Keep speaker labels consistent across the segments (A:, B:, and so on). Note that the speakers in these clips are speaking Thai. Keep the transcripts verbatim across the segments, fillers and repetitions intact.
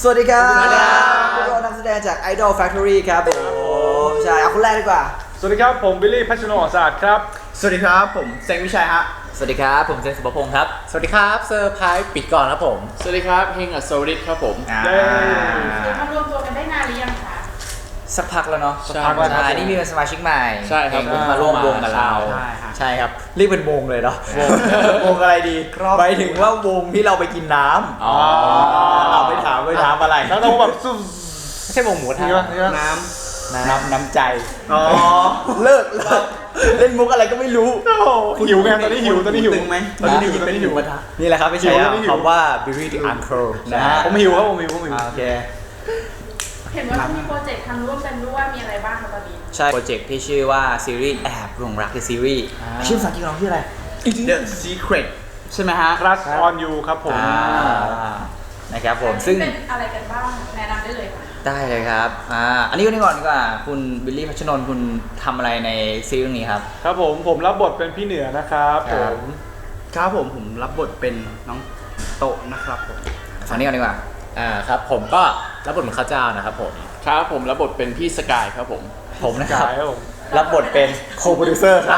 A: สวัสดีครับพวกเรานักแสดงจาก Idol Factory ครับผมใช่เอาคนแรกดีกว่า
B: สวัสดีครับผมบิลลี่พัชโนอสะอาดครับ
C: สวัสดีครับผมเซงวิชัยฮะ
A: สวัสดีครับผมเซนสุภพงศ์ครับ
D: สวัสดีครับเซอร์ไพรส์ปิดก่อนครับผม
E: สวัสดีครับเฮงอัศวริศครับผม
B: เย้
F: คือมารวมตัวกันได้นานหรือยังคะ
A: สักพักแล้วเนาะ
E: สักพักแล้วครับ
A: นี่มีเป็นสมาชิกใหม่
E: ใช่ครับ
A: มาร่วมวงกับเราใช่ครับเรียกเป็นวงเลยเนาะวงอะไรดีไปถึงว่าวงที่เราไปกินน้ำอ๋อเอาไปถามไปถามอะไร
B: แล้วต้องแบบซุ่ม
A: ไม่ใช่วงหมูทะ
C: น้
A: ำน้ำน้ำใจอ๋อเลิกเลิกเล่นมุกอะไรก็ไม่รู้
B: หิวไงตอนนี้หิวตอนนี้หิว
C: ตึงไหม
B: ตอนนี้หิวตอนนี้หิว
A: นี่แหละครับไม่ใช่คำว่า Billy the Uncle นะฮะ
B: ผมหิวครับผมหิวผมหิว
A: โอเค
F: เห็นว่ามีโปรเจกต์ทำร่วมกันด้วยมีอะไรบ้างคะตอนนี้
A: ใช่โปรเจกต์ที่ชื่อว่าซีรีส์แอบหลงรักในซีรีส์ชื่อภาษาอังกฤษของเราชื่ออะไร
C: The Secret ใช่ไหมฮะ
B: Crush on You ครับผม
A: นะครับผมซึ่ง
F: เป็นอะไรกันบ้างแนะนำได้เลยค่ะ
A: ได้เลยครับอ่าอันนี้ก็นี่ก่อนดีกว่าคุณบิลลี่พัชนนท์คุณทำอะไรในซีรีส์นี้ครับ
B: ครับผมผมรับบทเป็นพี่เหนือนะครับผม
C: ครับผมผมรับบทเป็นน้องโตนะครับผม
A: ฝั่งนี้ก่อนดีกว่า
D: อ่าครับผมก็รับบทเป็นข้าวเจ้านะครับผม
E: ครับผมรับบทเป็นพี่สกายครับผม
A: ผมนะครับรับบทเป็นโคโปรดิวเซอร์ครับ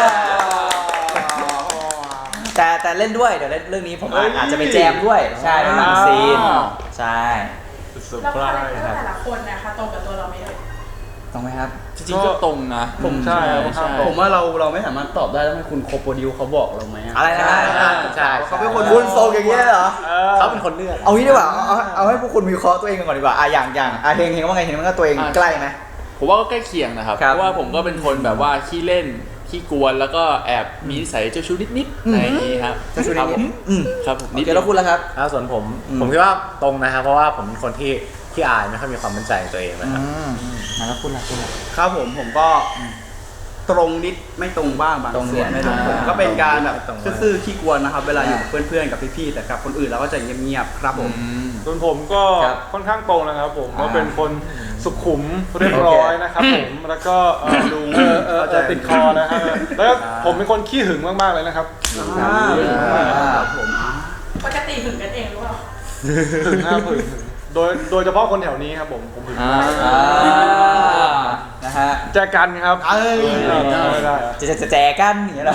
A: แต่แต่เล่นด้วยเดี๋ยวเล่นเรื่องนี้ผมอาจจะไปแจมด้วยใช่ในบางซีนใช่
F: แล้วคาแรคเตอร์แต่ละคนนะคะตรงกับตัวเราไหมเอ่ย
A: ตรงไหมครับ
E: จริงๆก็ตรงนะ
B: ผมใช่
C: ผมว่าเราเราไม่สามารถตอบได้แล้วให้คุณโคโปรดิวเขาบอกเราไหม
A: อะไรนะ
D: ใช่
A: เขาเป็นคนคุณโซอย่างเงี้ยเหรอ
D: เขาเป็นคนเลือก
A: เอางี้ดีกว่าเอาเอาให้พวกคุณวิเคราะห์ตัวเองกันก่อนดีกว่าอ่ะอย่างอย่างอ่ะเฮงเฮงว่าไงเฮงมันก็ตัวเองใกล้ไหม
E: ผมว่าก็ใกล้เคียงนะครับเพราะว่าผมก็เป็นคนแบบว่าขี้เล่นขี้กวนแล้วก็แอบมีนิสัยเจ้าชู้นิดๆในนี้ครับ
A: เจ้าชู้นิด
E: ๆครับผม
A: นิดแล้วคุณล่ะครับ
D: ส่วนผมผมคิดว่าตรงนะครับเพราะว่าผมเป็นคนที่ที่อายไม่ค่อยมีความมั่นใจในตัวเองนะครับ
A: แล้วคุณล่ะคุณล่ะ
C: ครับผมผมก็ตรงนิดไม่ตรงบ้างบางส่วนผมก็เป็นการแบบซื่อๆขี้กวนนะครับเวลาอยู่กับเพื่อนๆกับพี่ๆแต่กับคนอื่นเราก็จะเงียบๆครับผม
B: ส่วนผมก็ค่อนข้างตรงนะครับผมก็เป็นคนสุขุมเรียบร้อยนะครับผมแล้วก็ดูจะติดคอนะครับแล้วผมเป็นคนขี้หึงมากๆเลยนะครับ
F: ผมปกติหึงกันเองหรือเปล่า
B: หึงนะหึงโดยโดยเฉพาะคนแถวนี้ครับผมผมหึง
A: นะฮะ
B: แจกันครับ
A: เอ้ยจะจะแจกันอย่างเงี้ยเหรอ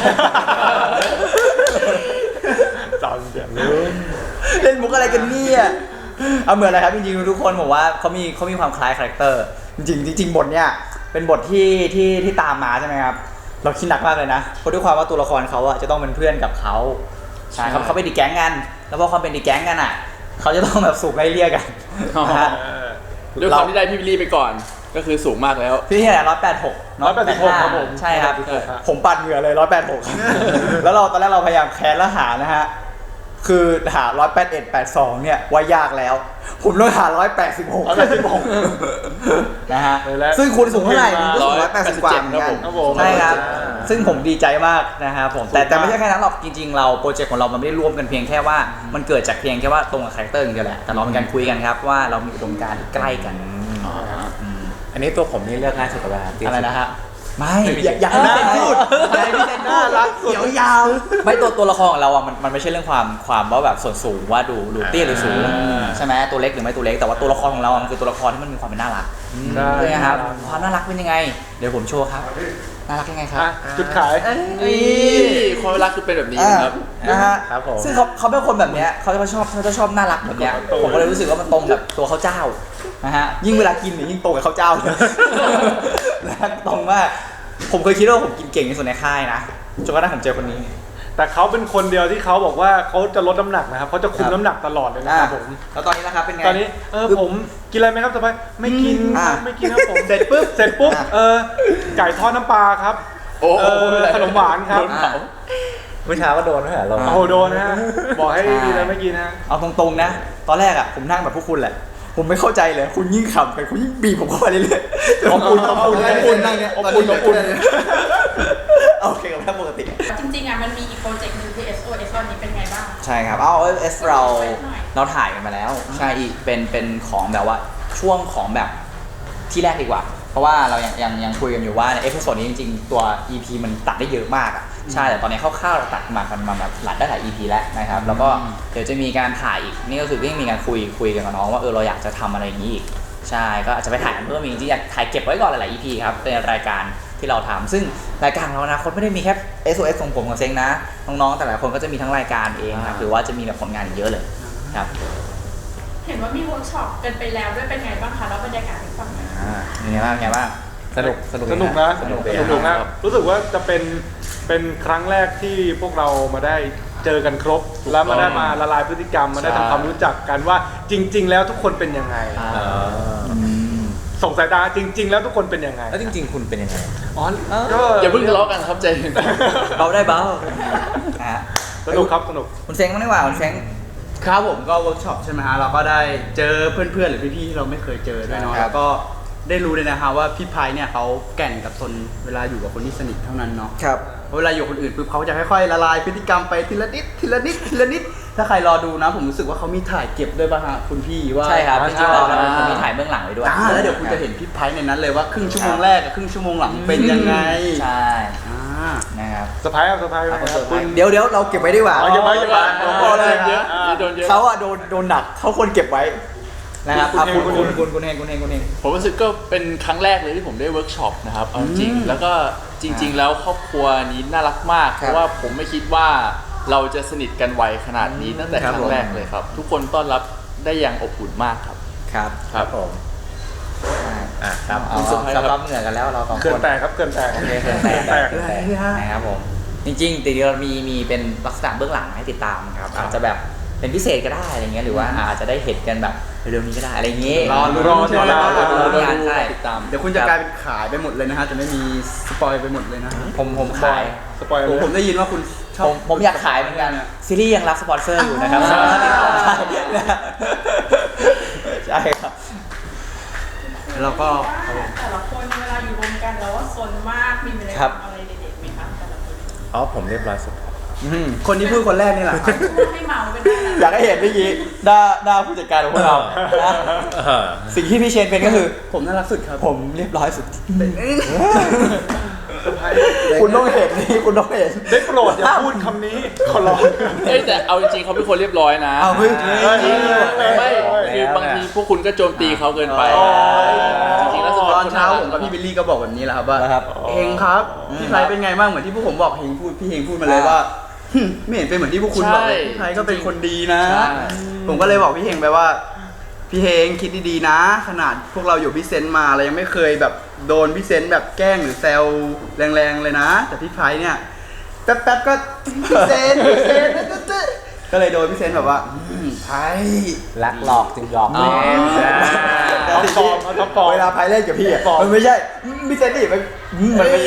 B: จำเสียง
A: เล่นมุกอะไรกันเนี่ยเอาเหมือนอะไรครับจริงๆทุกคนบอกว่าเขามีเขามีความคล้ายคาแรคเตอร์จริงจริงบทเนี่ยเป็นบทที่ที่ที่ตามมาใช่ไหมครับเราคิดหนักมากเลยนะเพราะด้วยความว่าตัวละครเขาอะจะต้องเป็นเพื่อนกับเขาใช่เขาเขาเป็นดีแก๊งกันแล้วพอความเป็นดีแก๊งกันอะเขาจะต้องแบบสูงไล่เลี่ยกัน
E: ด้วยความที่ได้พี่บิลลี่ไปก่อนก็คือสูงมากแล้ว
A: พี่ที่ไหนร้อยแปดหก
B: ร้อยแปดสิบหกครับผม
A: ใช่ครับผมปัดเหงื่อเลยร้อยแปดหกแล้วเราตอนแรกเราพยายามแค้นแล้วหานะฮะคือหาร้อยแปดเอ็ดแปดสองเนี่ยว่ายากแล้วผมต้องหาร้อยแปดสิบหกนะฮะซึ่งคุณสูงเท่าไหร่คุณสูงร้อยแปดสิบกว่าเหมือนกันใช่ครับซึ่งผมดีใจมากนะครับผมแต่แต่ไม่ใช่แค่นั้นหรอกจริงๆเราโปรเจกต์ของเรามันไม่ได้รวมกันเพียงแค่ว่ามันเกิดจากเพียงแค่ว่าตรงกับคาแรคเตอร์อย่างเดียวแหละแต่เราเป็นการคุยกันครับว่าเรามีอุดมการณ์ที่ใกล้กัน
D: อันนี้ตัวผมนี่เลือกง่ายสุดแล้ว
A: อะไรนะฮะไม่อย่าให้พี่พูดอย่าให้พี่เซนน่ารักเขียวยาวไม่ตัวตัวละครของเราอ่ะมันมันไม่ใช่เรื่องความความว่าแบบส่วนสูงว่าดูดูเตี้ยหรือสูงใช่ไหมตัวเล็กหรือไม่ตัวเล็กแต่ว่าตัวละครของเรามันคือตัวละครที่มันมีความเป็นน่ารักใช่ครับความน่ารักเป็นยังไงเดี๋ยวผมโชว์ครับน่ารักยังไงครับ
B: จุดขาย
E: ความน่ารักคือเป็นแบบนี้ครับ
A: นะฮะซึ่งเขาเขาเป็นคนแบบเนี้ยเขาจะชอบเขาจะชอบน่ารักแบบเนี้ยผมก็เลยรู้สึกว่ามันตรงกับตัวเขาเจ้านะฮะยิ่งเวลากินเนี่ยยิ่งตรงกับเขาเจ้าเลยนะตรงมากผมเคยคิดว่าผมกินเก่งที่สุดในค่ายนะจนกระทั่งผมเจอคนนี้
B: แต่เขาเป็นคนเดียวที่เขาบอกว่าเขาจะลดน้ำหนักนะครับเขาจะคุมน้ำหนักตลอดเลยนะครับผม
A: แล้วตอนนี้นะครับเป็นไง
B: ตอนนี้เออผมกินอะไรไหมครับสบายไม่กินไม่กินครับผมเสร็จปุ๊บเสร็จปุ๊บเออไก่ทอดน้ำปลาครับโอ้ขนมหวานครับ
D: เมื่อเช้าก็โดนไม่เหรอเรา
B: โอ้โดนนะบอกให้กินอะไรไม่กินนะ
A: เอาตรงๆนะตอนแรกอ่ะผมนั่งแบบพวกคุณแหละผมไม่เข้าใจเลยคุณยิ่งขำไปคุณยิ่งบีบผมเข้าไปเรื่อยๆขอบคุณขอบคุณขอบคุณนั่งเนี่ยขอบคุณขอบคุณโอเคกับแค่ปกติ
F: จริงๆอ่ะมันมีอีกโปรเจกต์นึงที่ เอส โอ เอส นี้เป็นไงบ้าง
A: ใช่ครับเอา เอส เราเราถ่ายกันมาแล้วใช่อีกเป็นเป็นของแบบว่าช่วงของแบบที่แรกดีกว่าเพราะว่าเรายังยังยังคุยกันอยู่ว่าในเอพิโซดนี้จริงๆตัว อี พี มันตัดได้เยอะมากอ่ะ
G: ใช่แต่ตอนนี้คร่าวๆเราตัดมากันมาแบบหลายได้หลาย อี พี แล้วนะครับแล้วก็เดี๋ยวจะมีการถ่ายอีกนี่ก็คือก็ยังมีการคุยคุยกันกับน้องว่าเออเราอยากจะทำอะไรอย่างนี้อีกใช่ก็อาจจะไปถ่ายเพิ่มอีกจริงๆอยากถ่ายเก็บไว้ก่อนหลายๆ อี พี ครับเป็นรายการที่เราทำซึ่งรายการของเรานะคนไม่ได้มีแค่ เอส โอ เอส ของผมกับเซ็งนะน้องๆแต่ละคนก็จะมีทั้งรายการเองครับหรือว่าจะมีแบบผลงานอีกเยอะเลยครับ
F: เห็นว่ามีเวิร์กช็อปกันไปแล้วด้วยเป็นไงบ้างคะแล้วบรรยากาศให้ฟังหน่อย
G: อ่าเป็นไงบ้างไงบ้าง
D: สนุกสนุก
B: สนุกนะ
G: สนุก
B: สนุกนะรู้สึกว่าจะเป็นเป็นครั้งแรกที่พวกเรามาได้เจอกันครบ แล้วมาได้มาละลายพฤติกรรมมาได้ทำความรู้จักกันว่าจริง ๆ แล้วทุกคนเป็นยังไง
G: อ่า
B: ส่งสายตาจริง ๆ แล้วทุกคนเป็นยังไง
D: แล้วจริง ๆ คุณเป็นยังไง
B: อ๋อก็
E: อย่าเพิ่งทะเลาะกันครับใจเย็น
G: เบาได้เบาอ่ะ
B: สนุกครับสนุก
G: คุณเซ็งบ้างดีกว่าคุณเซ็ง
C: ครับผมก็เวิร์กช็อปใช่ไหมฮะเราก็ได้เจอเพื่อนๆหรือพี่ๆที่เราไม่เคยเจอด้วยเนาะ
G: ครับ
C: แล้วก็ได้รู้เลยนะฮะว่าพี่ไพเนี่ยเขาแก่นกับตนเวลาอยู่กับคนที่สนิทเท่านั้นเนาะ
G: ครับ
C: เพราะเวลาอยู่กับคนอื่นปุ๊บเขาจะค่อยๆละลายพฤติกรรมไปทีละนิดทีละนิดทีละนิดถ้าใครรอดูนะผมรู้สึกว่าเขามีถ่ายเก็บด้วยป่ะฮะคุณพี่ว่า
G: ใช่ครับจริงๆเรา
C: อ่า
G: เรามีถ่ายเบื้องหลังไว้ด้วย
C: อ่าแล้วเดี๋ยวคุณจะเห็นพี่ไพในนั้นเลยว่าครึ่งชั่วโมงแรกกับครึ่งชั่วโมงหลังเป็นยังไง
G: ใช่
C: อ่า
G: นะครับ
B: สไปร์ครับสไปร์
G: ครับ
B: ครับคุณ
A: เดี๋ยวเดี๋ยวเราเก็บไว้ดีกว่า
B: อ๋อเก็บไว้เก็บไว้
A: ผมบอกเลย
E: เยอะโดนเยอะ
A: เขาอะโดนโดนหนักเขาควรเก็บไว้นะครับ
B: คุณ
A: อ่ะ
B: เอง
A: คุณ
B: คุ
A: คุณ
B: ณ
A: คุณคุณเองคุณเองคุณเอง
E: ผมรู้สึกก็เป็นครั้งแรกเลยที่ผมได้เวิร์กช็อปนะครับเอาจริงๆแล้วก็จริง ๆ แล้วครอบครัวนี้น่ารักมาก
G: ค
E: เพ
G: รับ
E: ราะว่าผมไม่คิดว่าเราจะสนิทกันไวขนาดนี้ตั้งแต่
G: ค
E: ครับ รั้
G: ผม
E: งแรกเลยครับ ทุกคนต้อนรับได้อย่างอบอุ่นมากครับ
G: ครับ
E: ครับ
D: ผม อ่ะครับ
G: เอา
E: คุณเซอร์ไพรส์
G: ซับ
E: ครับ
G: รับเหงื่อกันแล้วเราสอง
B: เกิ
G: คน น
B: แตกครับเกินแตก
G: โอเคเกินแตก
B: แตก
G: เกินแตกนะครับผมจริงๆแต่เดี๋ยวเรามีมีเป็นลักษณะเบื้องหลังให้ติดตามครับอาจจะแบบเป็นพิเศษก็ได้อะไรเงี้ยหรือว่าอาจจะได้เห็นกันแบบเร็วๆนี้ก็ได้อะไรเงี้ย
C: รอลุ้น
B: รอ
C: ใช่ไหม
B: รอ
C: รอ
B: รอ
C: ลุ้น
G: งานใช่
E: ติดตาม
C: เดี๋ยวคุณจะกลายเป็นขายไปหมดเลยนะฮะจะไม่มีสปอยไปหมดเลยนะฮะ
G: ผมผมขาย
B: สปอยล์
C: ผม
B: เลย
C: ผมได้ยินว่าคุณชอ
G: ผ
C: บ
G: มผมอยากขายเหมือนกันซีรีส์ยังรับสปอนเซอร์อยู่นะครับสามารถติดต่อได้ใช่ครับ
C: แล้วก็
F: ว่าแต่ละคนเวลาอยู่รวมกันแล้วว่าซนมากมีอะไร
G: ครับ
F: อะไรเด็ดๆไหมคะแต่ละคน
D: อ๋อผมเรียบร้อยสุด
C: คนที่พูดคนแรกนี่แหละครับ
F: พูดให้เมาเป็นได้นะ
A: อยากให้เห็นเมื่อกี้หน้าหน้าผู้จัดการของพวกเรานะ
D: เออ
A: สิ่งที่พี่เชนเป็นก็คือ
C: ผมน่ารักสุดครับ
A: ผมเรียบร้อยสุด
B: เซอร์ไพรส์
A: คุณต้องเห็นนี่คุณต้องเห็น
B: ได้โปรดอย่าพูดคำนี้ขอร้อง
E: เอ้ยแต่เอาจริงๆเขาเป็นคนเรียบร้อยนะ
A: เอาเฮ้ย
E: จริง
B: เฮ้ย
E: ไม่คือบางทีพวกคุณก็โจมตีเขาเกินไป
A: อ๋อ
E: จริงๆแล้วสป
C: ต
E: อ
C: อน นเช้าผมกับพี่บิลลี่ก็บอกแบบนี้แหละครับว่า
A: นะครับ
C: เฮงครับพี่ไพเป็นไงบ้างเหมือนที่พวกผมบอกเฮงพูดพี่เฮงพูดมาเลยว่าหึไม่เห็นเป็นเหมือนที่พวกคุณบอกเลยพี่ไพก็เป็นคนดีนะ
E: ใช่
C: ผมก็เลยบอกพี่เฮงไปว่าพี่เฮงคิดดีๆนะ ขนาดพวกเราอยู่พี่เซนต์มาเรายังไม่เคยแบบโดนพี่เซนต์แบบแกล้งหรือแซวแรงๆเลยนะ แต่พี่ไพเนี่ยแป๊บๆก็พี่เซนต์พี่เซนต์ตึ๊ดๆก็เลยโดนพี่เซนต์แบบว่าอืมไพ
D: รักหลอกจึงหยอก
E: อ๋อ
D: เล่นนะ
B: ท็อปฟอร์มเอาท็อปฟอร์ม
A: เวลาไพเล่นกับพี่อะมันไม่ใช่มิเซนนี่มันมันไม่ใช่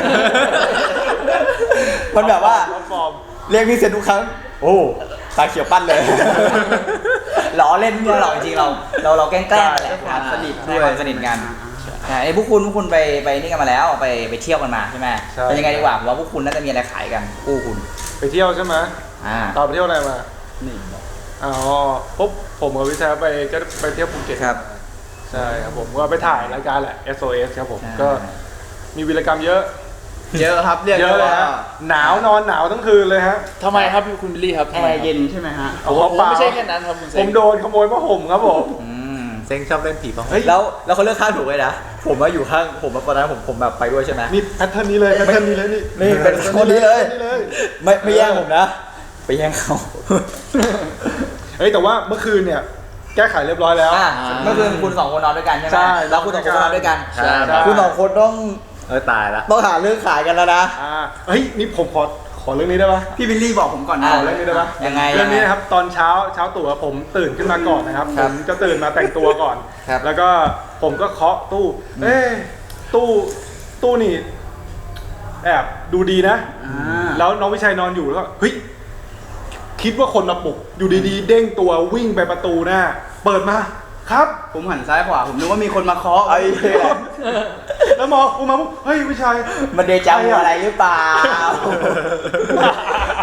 A: มันแบบว่า
B: ท็อปฟอร์ม
A: เรียกพี่เซนทุกครั้ง โอ้ตาเขียวปั้นเลย ล้อเล่น
G: ไม่หรอกจริงๆเราเราเราแกล้งๆกันแหละ
C: ความสนิท
G: ด้
C: ด้
G: ว
C: วย ย
G: ความสนิทกันใช่ไอ้พวกคุณพวกคุณไปไปนี่กันมาแล้วไปไปเที่ยวกันมาใช่ไหม
B: ใช่
G: เป็นยังไงดีกว่าผมว่าพวกคุณน่าจะมีอะไรขายกันคู่คุณ
B: ไปเที่ยวใช่ไหม
G: อ่า
B: ตอนไปเที่ยวอะไรมา
C: นี่
B: อ๋อปุ๊บผมกับวิชาไปก็ไปเที่ยวภูเก็ต
G: ครับ
B: ใช่ครับผมก็ไปถ่ายรายการแหละ เอส โอ เอส ครับผม
G: ใช่
B: ก็มีวีรกรรมเยอะ
C: เยอะครับเรียก
B: เยอะเลย
C: ว่า
B: ฮะหนาวนอนหนาวทั้งคืนเลยฮะ
E: ทำไมครับพี่คุณบิลลี่ครับ
C: แอ
E: ทำไม
C: ร์
E: ครับ
C: เย็นใช่ไหมฮะ
B: โอ้
E: ผม
B: โหเปล่า
E: ไม่ใช่แค่นั้นครับคุณเซ
B: ผมโดนขโมยผ้าห่มครับผม
G: อืม
D: เซ็งชอบเล่นผีป่ะ
B: เฮ้ย
A: แล้วแล้วเขาเลือกข้างถูกเลยนะ ผมว่าอยู่ข้างผมตอนนั้นผมผมแบบไปด้วยใช่ไหม
B: นี่แพทเทิร์นนี้เลยแพทเทิร์นนี้เลยนี่
A: นี่เป็นคนนี้เลย
B: นี่เลย
A: ไม่ไม่แย่งผมนะ ไปแย่งเขา
B: เฮ้ยแต่ว่าเมื่อคืนเนี่ยแก้ไขเรียบร้อยแล้ว
G: อ่าเมื่อคืนคุณสองคนนอนด้วยกันใช่ไหม
B: ใช่
G: แล้วคุณสองคนนอนด้วยกัน
E: ใช่
B: ใช่
A: คุณสองคนต้อง
D: เออตายละ
A: ต้องหาเรื่องขายกันแล้วนะ
B: อ่าเฮ้ยนี่ผมขอขอเรื่องนี้ได้ปะ
C: พี่บิลลี่บอกผมก่อนนะ
G: อ่า
B: ขอเรื่องนี้ได้ปะ
G: ยังไง
B: เรื่องนี้
G: ยังไง
B: นะครับตอนเช้าเช้าตู่อะผมตื่นขึ้นมาก่อนนะครับ
G: ค
B: ผ
G: รับ
B: มจะตื่นมาแต่งตัวก่อน
G: ครับ
B: แล้วก็ผมก็เคาะตู้ เอ้ตู้ตู้นี่แอบดูดีนะ
C: อ่า
B: แล้วน้องวิชัยนอนอยู่แล้วก็เฮ้ยคิดว่าคนมาปลุกอยู่ดีๆ เด้งตัววิ่งไปประตูหน้า เปิดมาครับ
C: ผมหันซ้ายขวาผมนึกว่ามีคนมาเคาะ
A: ไอ้เหี้ย
B: แล้วมองกูมาปุ๊บเฮ้ยวิชัย
A: มันเดจาวูอะไรหรือเปล่า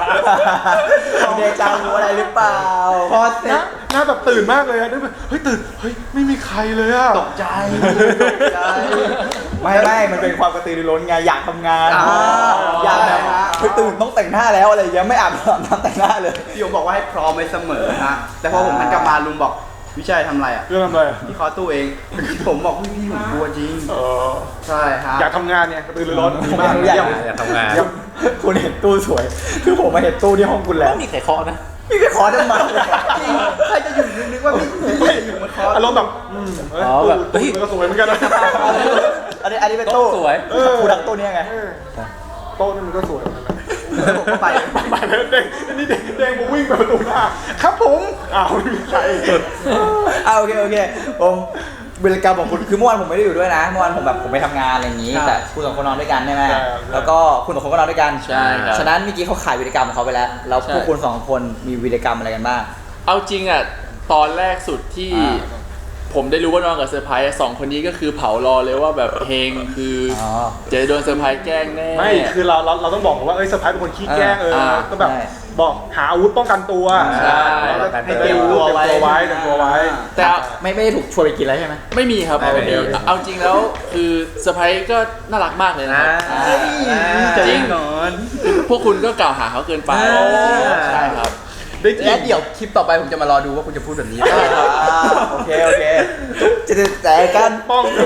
A: เดจาวูอะไรหรือเปล่า
C: พอเสร็
B: หน้า
C: จ
B: หน้าแบบตื่นมากเลยอะนึกแบบเฮ้ยตื่นเฮ้ยไม่มีใครเลยอะ
C: ตกใจตกใจ
A: ไม่ไม่มันเป็นความกระตือรือร้นไงอยากทำงาน
C: อ่า
A: อยากแบบ
C: ใช่ฮะ
A: เฮ้ยตื่นต้องแต่งหน้าแล้วอะไรอย่างเงี้ยไม่อาบน้ำแต่งหน้าเลย
C: พี่โยบอกว่าให้พร้อมไว้เสมอฮะแต่พอผมหันกลับมาลุงบอกวิชัยทำอะไรอ่ะ
B: เรื่องอะไรอะ
C: พี่เคอตู้เอง ผมบอกพี่พี่ผมกลัวจริง
B: เออ
C: ใช่ฮะ
B: อยากทำงานเนี่ยกระตือรือร้น
A: ผม
B: มาก
A: ไม่อยาก
D: อยากทำงาน
A: คุณเห็นตู้สวย คือผมมาเห็นตู้ที่ห้องคุณแล้ว
D: ก็มีใครเคาะนะ
A: พี่ไปขอทำไม
C: จริงใครจะอยู่นึกว่าพี่พี่จะอยู่บนคอร์ส
B: อารมณ์แบบอืมเอ้ย
D: อ๋อแบบ
B: ตู้ตู้มันก็สวยเหมือนกันนะ
A: อันนี้อันนี้เป็นตู้
D: สวย
B: เออ
A: คุณดักตู้เนี้ยไง
B: เออโต๊ะนี่มันก็สวยเหมือนกันนะ
C: ผมก็ไป
B: ไปแล้วเด้งนี่เด้งเด้งมาวิ่งไปประตูหน้าครับผมอ้าวไม่มีใคร
A: อ่าโอเคโอเคผมวิรกรรมของคุณคือเมื่อวานผมไม่ได้อยู่ด้วยนะเมื่อวานผมแบบผมไปทำงานอะไรอย่างนี้
C: ครับ
A: แต่คุณสองคนนอนด้วยกันใช่ไหม
B: ใช่ครับ
A: แล้วก็คุณสองคนก็นอนด้วยกัน
E: ใช่ครับ
A: ฉะนั้นเมื่อกี้เขาขายวิรกรรมของเขาไปแล้วแล้ว
E: ใช่
A: พวกคุณสองคนมีวิรกรรมอะไรกันบ้าง
E: เอาจริงอ่ะตอนแรกสุดที่
A: อ่า
E: ผมได้รู้ว่านอนกับเซอร์ไพรส์อะสองคนนี้ก็คือเผารอเลยว่าแบบเฮงคืออ
A: อ
E: จะโดนเซอร์ไพรส์แกล้งแน่
B: ไม่คือเราเราเราต้องบอกว่าเอ้ยเซอร์ไพรส์เป็นคนขี้แกล้งเออ
E: อ่า
B: ก็แบบ
A: ใช่
B: บอกหาอาวุธป้องกันตัว
E: ใช่
B: เราจะ
C: ให้
B: ให้
C: เต
B: เต
C: รี
B: รี
C: ย
B: ย
C: ม
B: ม
C: ตั
B: ตัว ว
C: ไว้
B: ไว้เตรียมตัวไว้
E: แต่เอา
A: ไม่ไม่ได้ถูกชวนไปกินแล้วใช่ไหม
E: ไม่มีครับ
A: ไม่มี
E: เอาจริงแล้วคือเซอร์ไพรส์ก็น่ารักมากเลยนะครับ
C: จะ
E: จริ
C: ยิ
E: ง
C: งนอน
E: พวกคุณก็กล่าวหาเขาเกินไป
A: อ่า
E: ใช่ครับ
B: ได้กิน
C: และเดี๋ยวคลิปต่อไปผมจะมารอดูว่าคุณจะพูดแบบนี้
A: อ่าโอเคโอเคจะจะแต่กัน
B: ป้องกัน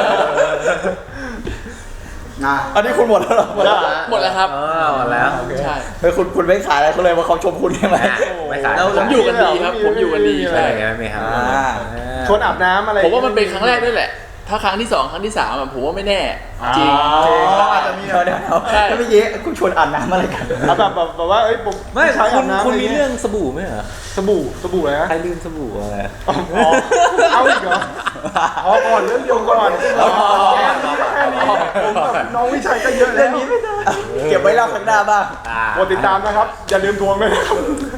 C: นะ
A: อันนี้คุณหมดแล้วเหรอ
B: หมดแล้ว
E: หมดแล้วครับ
D: อ๋อหมดแล้ว
E: ใช่
A: เฮ้ยคุณคุณไม่ขายอะไรเขาเลยว่าเขาชมคุณใช่ไหม
D: อ่ะไม่ขาย
E: แล้วผมอยู่กันดีครับ ผมอยู่กันดี
D: ใช่
E: ใช่
D: ไม่มีครับ
A: อ่า
B: ชวนอาบน้ำอะไร
E: ผมว่ามันเป็นครั้งแรกด้วยแหละ ถ้าครั้งที่สองครั้งที่สามอะผมว่าไม่แน่ จริง
C: อ๋ออาจจะมี
A: เดี๋ยวเดี๋ยวเดี๋ยว
E: ใช่
A: แล้วเมื่อกี้คุณชวนอาบน้ำอะไรกัน
B: เอาแบบแบบแบบว่าเอ้ยผม
D: ไม่
B: ใช้
D: คุ
B: อา
D: ณ
B: บน้ำ
D: คุณ
B: ะไร
D: มี
B: งี้ย
D: เรื่องสบู่ไหมเหรอ
B: สบู่สบู่อะไรนะ
D: ใครลืมสบู่อะไร
B: อ๋อเอาอีกเหรอพอก่อนเรื่องเดียวก่อนแค่นี้ก็แค่นี้ผมกับน้องวิชัยก็เยอะแล้ว
A: เก็บไว้เล่าครั้งหน้าบ้าง
D: อ่า
B: กดติดตามนะครับ อย่าลืมทวงด้วยนะครับ